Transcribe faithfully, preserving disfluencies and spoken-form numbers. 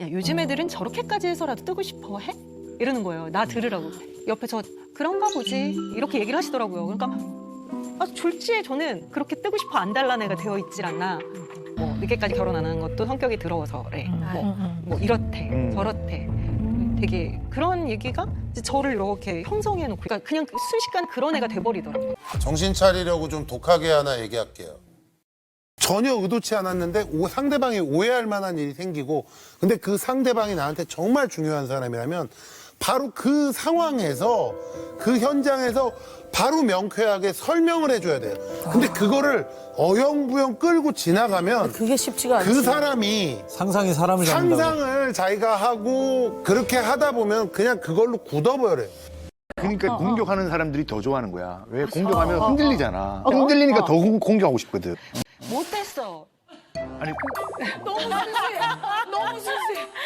야, 요즘 애들은 저렇게까지 해서라도 뜨고 싶어 해? 이러는 거예요. 나 들으라고. 옆에 저 그런가 보지 이렇게 얘기를 하시더라고요. 그러니까 아, 졸지에 저는 그렇게 뜨고 싶어 안 달라는 애가 되어 있질 않나. 뭐 늦게까지 결혼 안 하는 것도 성격이 더러워서 그래. 뭐, 뭐 이렇대 음. 저렇대. 되게 그런 얘기가 이제 저를 이렇게 형성해 놓고 그러니까 그냥 순식간 그런 애가 돼버리더라고요. 정신 차리려고 좀 독하게 하나 얘기할게요. 전혀 의도치 않았는데 오, 상대방이 오해할 만한 일이 생기고 근데 그 상대방이 나한테 정말 중요한 사람이라면 바로 그 상황에서 그 현장에서 바로 명쾌하게 설명을 해줘야 돼요. 근데 그거를 어영부영 끌고 지나가면 그게 쉽지가 않지. 그 사람이 상상이 사람을 잡는다고. 상상을 자기가 하고 그렇게 하다 보면 그냥 그걸로 굳어버려요. 그러니까 공격하는 사람들이 더 좋아하는 거야. 왜 공격하면 흔들리잖아. 흔들리니까 더 공- 공격하고 싶거든. 못했어. 아니 너무 순수해. 너무 순수해.